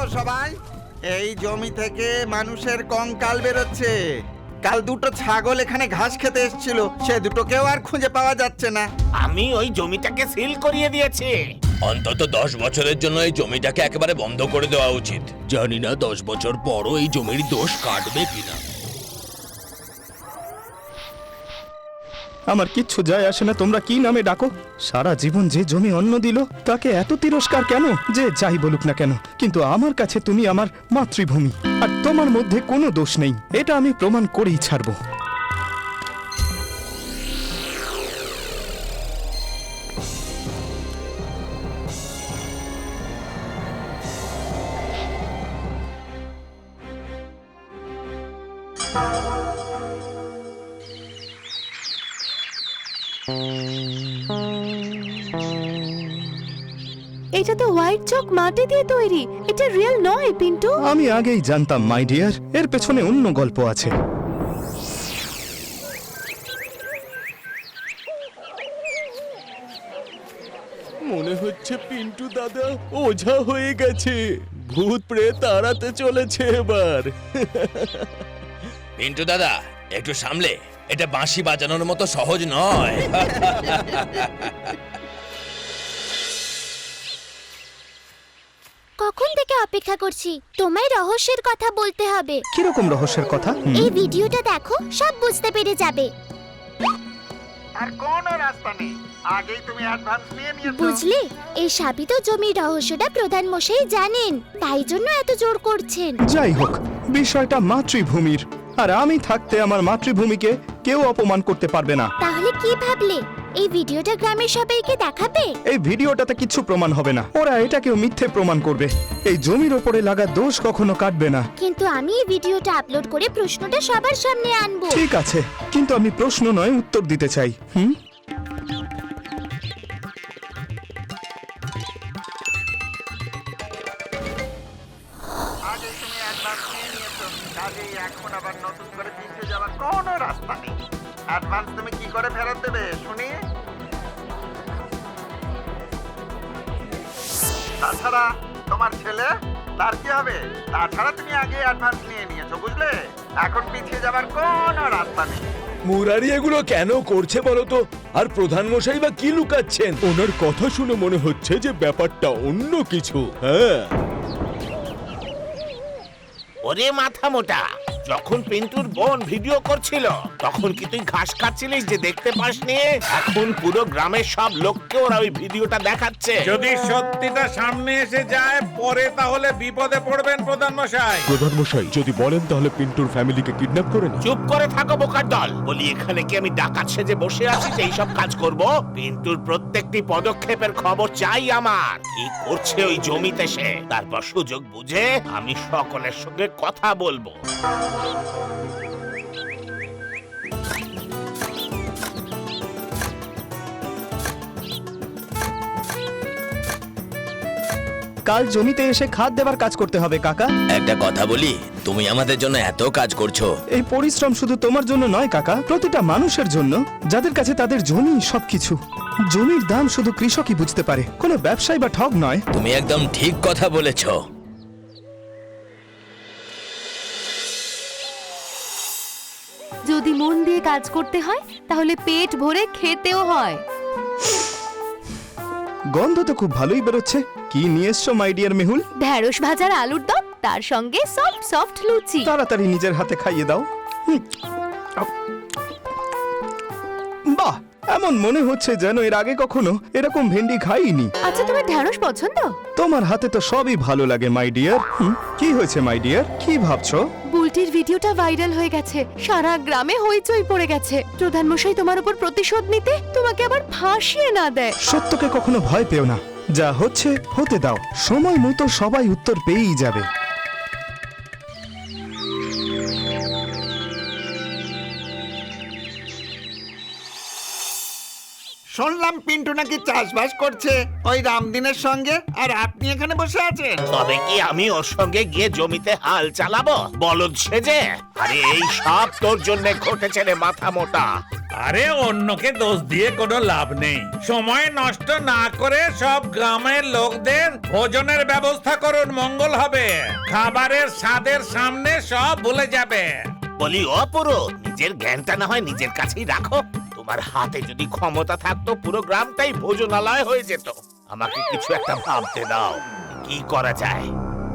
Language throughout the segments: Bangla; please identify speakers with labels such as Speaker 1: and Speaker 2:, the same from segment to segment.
Speaker 1: সবাই, এই জমি থেকে মানুষের কঙ্কাল বেরোচ্ছে। কাল দুটো ছাগল এখানে ঘাস খেতে এসেছিল, সে দুটোকেও আর খুঁজে পাওয়া যাচ্ছে না।
Speaker 2: আমি ওই জমিটাকে সিল করিয়ে দিয়েছি।
Speaker 3: অন্তত 10 বছরের জন্য এই জমিটাকে একেবারে বন্ধ করে দেওয়া উচিত। জানি না 10 বছর পরও এই জমির দোষ কাটবে কিনা।
Speaker 4: আমার কিচ্ছু যায় আসে না তোমরা কি নামে ডাকো। সারা জীবন যে জমি অন্ন দিল তাকে এত তিরস্কার কেন? যে যাই বলুক না কেন, কিন্তু আমার কাছে তুমি আমার মাতৃভূমি, আর তোমার মধ্যে কোনো দোষ নেই, এটা আমি প্রমাণ করেই ছাড়বো।
Speaker 5: এটা তো হোয়াইট চক মাটি দিয়ে তৈরি, এটা রিয়েল নয় পিন্টু।
Speaker 4: আমি আগেই জানতাম মাই ডিয়ার, এর পেছনে অন্য গল্প আছে।
Speaker 6: মনে হচ্ছে পিন্টু দাদা ওঝা হয়ে গেছে, ভূত প্রেত তাড়াতে চলেছে এবার।
Speaker 3: পিন্টু দাদা একটু সামলে, এটা বাঁশি বাজানোর মতো সহজ নয়।
Speaker 7: কখন থেকে অপেক্ষা করছি, তোমায় রহস্যের কথা বলতে হবে।
Speaker 4: কিরকম রহস্যের কথা?
Speaker 7: এই ভিডিওটা দেখো, সব বুঝতে পেরে যাবে।
Speaker 1: আর কোনো রাস্তা নেই, আগেই তুমি অ্যাডভান্স নিয়ে নিয়েছো।
Speaker 7: বুঝলে, এই সাবিত জমির রহস্যটা প্রধান মশাই জানেন, তাই জন্য এত জোর করছেন।
Speaker 4: যাই হোক, বিষয়টা মাতৃভূমির, আর আমি থাকতে আমার মাতৃভূমিকে কেউ অপমান করতে পারবে না।
Speaker 7: তাহলে কি ভাবলে, এই ভিডিওটা গ্রামের সবাইকে দেখাবে?
Speaker 4: এই ভিডিওটাতে কিছু প্রমাণ হবে না, ওরা এটাকেও মিথ্যে প্রমাণ করবে। এই জমির ওপরে লাগা দোষ কখনো কাটবে না।
Speaker 7: কিন্তু আমি এই ভিডিওটা আপলোড করে প্রশ্নটা সবার সামনে আনবো।
Speaker 4: ঠিক আছে, কিন্তু আমি প্রশ্ন নয় উত্তর দিতে চাই।
Speaker 1: আগেই তুমি অ্যাডভান্স নিয়ে নিয়েছো, কাজেই এখন আবার নতুন করে পিছিয়ে যাওয়ার কোনো রাস্তা নেই। অ্যাডভান্স তুমি কি করে ফেরত দেবে শুনি? তাছাড়া তোমার ছেলে, তার কি হবে? তাছাড়া তুমি আগে অ্যাডভান্স নিয়ে নিয়েছো, বুঝলে? এখন পিছিয়ে যাবার কোনো রাস্তা নেই।
Speaker 6: মুরারি এগুলো কেন করছে বলো তো? আর প্রধান মশাই বা কি লুকাচ্ছেন? ওনার কথা শুনে মনে হচ্ছে যে ব্যাপারটা অন্য কিছু। হ্যাঁ,
Speaker 2: ওরে মাথা মোটা, যখন পিন্টুর বোন ভিডিও করছিল তখন কি তুই ঘাস খাচ্ছিলিস যে দেখতে পাসনি? এখন পুরো গ্রামের সব লোককে ওরা ওই ভিডিওটা দেখাচ্ছে।
Speaker 8: যদি সত্যিটা সামনে এসে যায় পরে তাহলে বিপদে পড়বেন প্রধান মশাই।
Speaker 6: প্রধান মশাই যদি বলেন তাহলে পিন্টুর ফ্যামিলিকে কিডন্যাপ করে না।
Speaker 2: চুপ করে থাকো বোকার দল। বলি এখানে কি আমি ডাকাত সেজে বসে আছি যে এইসব কাজ করব? পিন্টুর প্রত্যেকটি পদক্ষেপের খবর চাই আমার। কি করছে ওই জমিতে সে, তারপর সুযোগ বুঝে আমি সকলের সঙ্গে কথা বলবো।
Speaker 4: কাল জমিতে এসে খাদ দেবার কাজ করতে হবে কাকা।
Speaker 3: একটা কথা বলি, তুমি আমাদের জন্য এত কাজ করছো।
Speaker 4: এই পরিশ্রম শুধু তোমার জন্য নয় কাকা, প্রতিটা মানুষের জন্য, যাদের কাছে তাদের জমি সবকিছু। জমির দাম শুধু কৃষকই বুঝতে পারে, কোনো ব্যবসায়ী বা ঠগ নয়।
Speaker 3: তুমি একদম ঠিক কথা বলেছো।
Speaker 5: যদি মন দিয়ে কাজ করতে হয় তাহলে পেট ভরে খেতেও হয়।
Speaker 4: গন্ধ তো খুব ভালোই বেরোচ্ছে। কি নিয়ে এসছো মাই ডিয়ার মেহুল?
Speaker 5: ঢ্যাঁড়স ভাজার আলুর দম, তার সঙ্গে সফট সফট লুচি।
Speaker 4: তাড়াতাড়ি নিজের হাতে খাইয়ে দাও। বাহ, এমন মনে হচ্ছে যেন এর আগে কখনো এরকম ভেন্ডি খাইনি।
Speaker 5: আচ্ছা, তোমার ঢ্যাঁড়স পছন্দ?
Speaker 4: তোমার হাতে তো সবই ভালো লাগে মাই ডিয়ার। কি হয়েছে মাই ডিয়ার, কি ভাবছো?
Speaker 5: বুলটির ভিডিওটা ভাইরাল হয়ে গেছে, সারা গ্রামে হইচই পড়ে গেছে। প্রধান মশাই তোমার উপর প্রতিশোধ নিতে তোমাকে আবার ফাঁসিয়ে না দেয়।
Speaker 4: সত্যকে কখনো ভয় পেও না, যা হচ্ছে হতে দাও, সময় মতো সবাই উত্তর পেয়েই যাবে।
Speaker 1: শুনলাম পিন্টু নাকি চাষবাস করছে ওই রামদিনের সঙ্গে, আর আপনি এখানে বসে আছেন।
Speaker 2: তবে কি আমি ওর সঙ্গে গিয়ে জমিতে হাল চালাবো বলদ সেজে? আরে এই সব তোর জন্য ঘটেছে রে মাথা মোটা।
Speaker 8: আরে অন্যকে দোষ দিয়ে কোনো লাভ নেই। সময় নষ্ট না করে সব গ্রামের লোকদের ভোজনের ব্যবস্থা করুন, মঙ্গল হবে। খাবারের স্বাদের সামনে সব ভুলে যাবে।
Speaker 2: বলি অপুরো, নিজের জ্ঞানটা না হয় নিজের কাছেই রাখো। তোমার হাতে যদি ক্ষমতা থাকতো পুরো গ্রামটাই ভোজনালয় হয়ে যেত। আমাকে কিছু একটা ভাবতে দাও, কি করা যায়।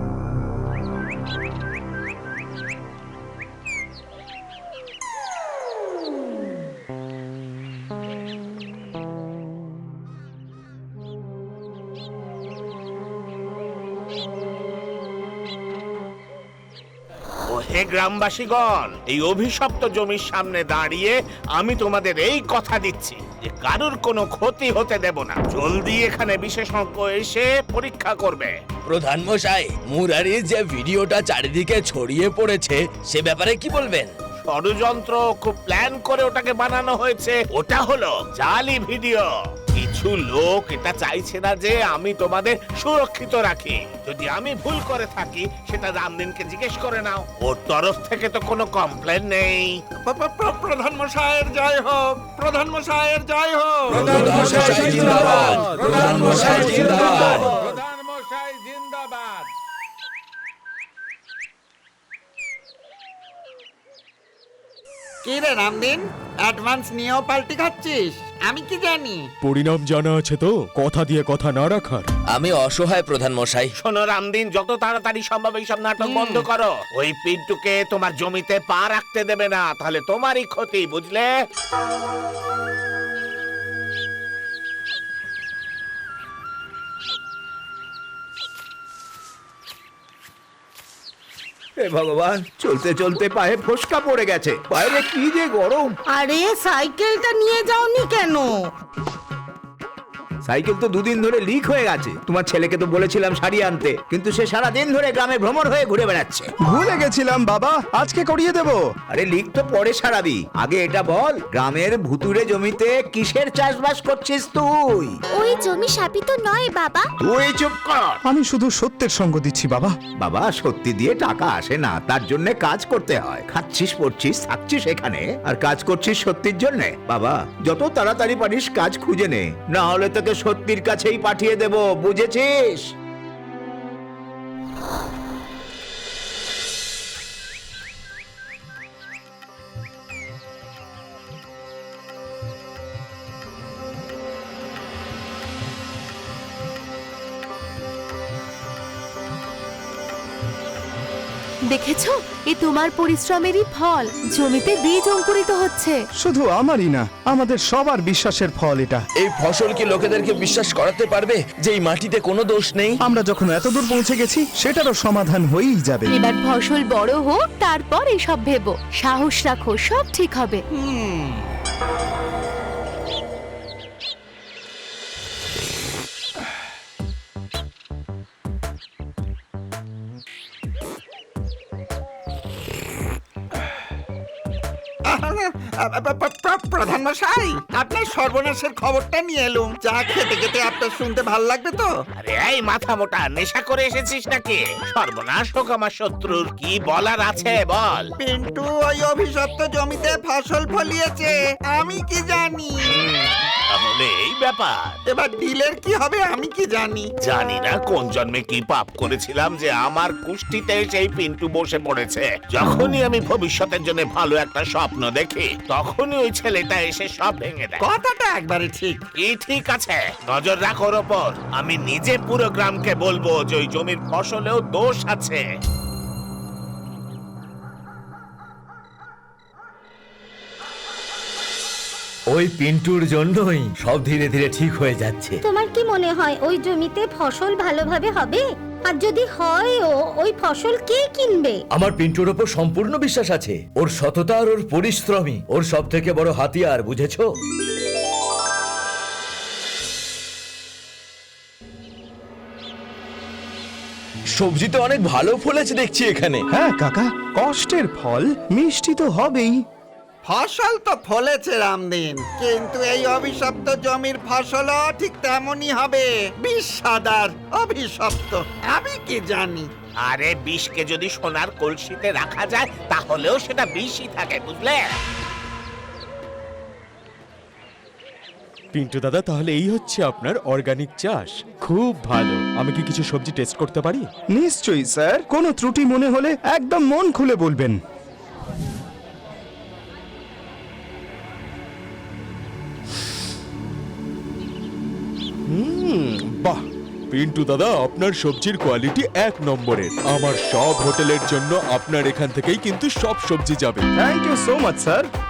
Speaker 2: হে গ্রামবাসীগণ, এই অভিশপ্ত জমির সামনে দাঁড়িয়ে আমি তোমাদের এই কথা দিচ্ছি যে কারোর কোনো ক্ষতি হতে দেব না। জলদি এখানে বিশেষজ্ঞ এসে পরীক্ষা করবে।
Speaker 3: প্রধান মশাই, মুরারির যে ভিডিওটা চারিদিকে ছড়িয়ে পড়েছে সে ব্যাপারে কি বলবেন?
Speaker 2: ষড়যন্ত্র, খুব প্ল্যান করে ওটাকে বানানো হয়েছে। ওটা হলো জালি ভিডিও। কিছু লোক এটা চাইছে না যে আমি তোমাদের সুরক্ষিত রাখি। যদি আমি ভুল করে থাকি সেটা রামদিনকে জিজ্ঞেস করে নাও, ওর তরফ থেকে তো কোনো কমপ্লেন নেই।
Speaker 1: প্রধান মশাইয়ের জয় হোক, প্রধান মশাইয়ের জয় হোক।
Speaker 6: প্রধান মশাই জিন্দাবাদ।
Speaker 8: প্রধান মশাই জিন্দাবাদ।
Speaker 1: কি রে রামদিন, অ্যাডভান্স নিয়েও পাল্টি খাচ্ছিস? আমি কি জানি।
Speaker 6: পরিণাম জানা আছে তো, কথা দিয়ে কথা না রাখার।
Speaker 3: আমি অসহায় প্রধান মশাই।
Speaker 2: শোনো রামদিন, যত তাড়াতাড়ি সম্ভব এইসব নাটক বন্ধ করো। ওই পিন্টুকে তোমার জমিতে পা রাখতে দেবে না, তাহলে তোমারই ক্ষতি, বুঝলে?
Speaker 9: হে ভগবান, চলতে চলতে পায়ে ফোসকা পড়ে গেছে। বাইরে কি যে গরম।
Speaker 10: আরে সাইকেলটা নিয়ে যাওনি কেন?
Speaker 9: সাইকেল তো দুদিন ধরে লিক হয়ে গেছে। তোমার ছেলেকে তো বলেছিলাম সারিয়ে আনতে, কিন্তু সে সারা দিন ধরে গ্রামে ভ্রমণ হয়ে ঘুরে বেড়াচ্ছে।
Speaker 4: ভুলে গেছিলাম বাবা, আজকে করিয়ে দেব।
Speaker 9: আরে লিক তো পরে সারাবি, আগে এটা বল, গ্রামের ভুতুরে জমিতে কিসের চাষবাস করছিস তুই?
Speaker 7: ওই জমি শাপিত নয় বাবা।
Speaker 9: তুই চুপ কর।
Speaker 4: আমি শুধু সত্যের সঙ্গ দিচ্ছি বাবা।
Speaker 9: বাবা, সত্যি দিয়ে টাকা আসে না, তার জন্য কাজ করতে হয়। খাচ্ছিস, পড়ছিস, থাকছিস এখানে, আর কাজ করছিস সত্যির জন্য। বাবা, যত তাড়াতাড়ি পারিস কাজ খুঁজে নে, না হলে তোকে সত্যির কাছেই পাঠিয়ে দেব, বুঝেছিস?
Speaker 5: দেখেছো, এ তোমার পরিশ্রমেরই ফল। জমিতে বীজ অঙ্কুরিত হচ্ছে।
Speaker 4: শুধু আমারই না, আমাদের সবার বিশ্বাসের ফল এটা।
Speaker 3: এই ফসল কি লোকেদেরকে বিশ্বাস করাতে পারবে যে এই মাটিতে কোনো দোষ নেই?
Speaker 4: আমরা যখন এতদূর পৌঁছে গেছি, সেটারও সমাধান হয়েই যাবে।
Speaker 5: এবার ফসল বড় হোক, তারপর এসব ভেবো। সাহস রাখো, সব ঠিক হবে।
Speaker 1: প্রধান মশাই, আপনার সর্বনাশের খবরটা নিয়ে এলুম। চা খেতে খেতে আপনার শুনতে ভাল লাগবে তো?
Speaker 2: আরে এই মাথা মোটা, নেশা করে এসেছিস নাকি? সর্বনাশ হোক আমার শত্রুর, কি বলার আছে বল।
Speaker 1: পিন্টু ওই অভিশপ্ত জমিতে ফসল ফলিয়েছে, আমি কি জানি।
Speaker 2: তাহলে এই ব্যাপার।
Speaker 1: এবার ডিলের কি হবে আমি কি জানি।
Speaker 2: জানি না কোন জন্মে কি পাপ করেছিলাম যে আমার কুষ্টিতে সেই পিন্টু বসে পড়েছে। যখনই আমি ভবিষ্যতের জন্য ভালো একটা স্বপ্ন দেখি, তখনই ওই ছেলেটা এসে সব ভেঙে দেয়।
Speaker 1: কথাটা একবারে ঠিক।
Speaker 2: কি ঠিক আছে? নজর রাখো ওর ওপর। আমি নিজে পুরো গ্রামকে বলবো যে ওই জমির ফসলেও দোষ আছে।
Speaker 9: ওই পিন্টুর জন্যই সব ধীরে ধীরে ঠিক হয়ে যাচ্ছে।
Speaker 10: তোমার কি মনে হয় ওই জমিতে ফসল ভালোভাবে হবে? আর যদি হয়ও, ওই ফসল কে কিনবে?
Speaker 9: আমার পিন্টুর ওপর সম্পূর্ণ বিশ্বাস আছে। ওর সততা আর ওর পরিশ্রমই ওর সব থেকে বড় হাতিয়ার, বুঝেছো?
Speaker 3: সবজি তো অনেক ভালো ফলেছে দেখছি এখানে।
Speaker 4: হ্যাঁ কাকা, কষ্টের ফল মিষ্টি তো হবেই।
Speaker 1: ফসল তো ফলেছে রামদিন, কিন্তু এই অভিশপ্ত জমির ফসলও ঠিক তেমনই হবে, বিষাদার অভিশপ্ত। আমি কি জানি।
Speaker 2: আরে বিষকে যদি সোনার কলসিতে রাখা যায় তাহলেও সেটা বিষই থাকে, বুঝলে?
Speaker 6: পিন্টু দাদা, তাহলে এই হচ্ছে আপনার অর্গানিক চাষ। খুব ভালো। আমি কি কিছু সবজি টেস্ট করতে পারি?
Speaker 4: নিশ্চয়ই স্যার, কোনো ত্রুটি মনে হলে একদম মন খুলে বলবেন।
Speaker 6: বাহ পিন্টু দাদা, আপনার সবজির কোয়ালিটি 1 নম্বরের। আমার সব হোটেলের জন্য আপনার এখান থেকেই কিন্তু সব সবজি যাবে।
Speaker 4: Thank you so much sir.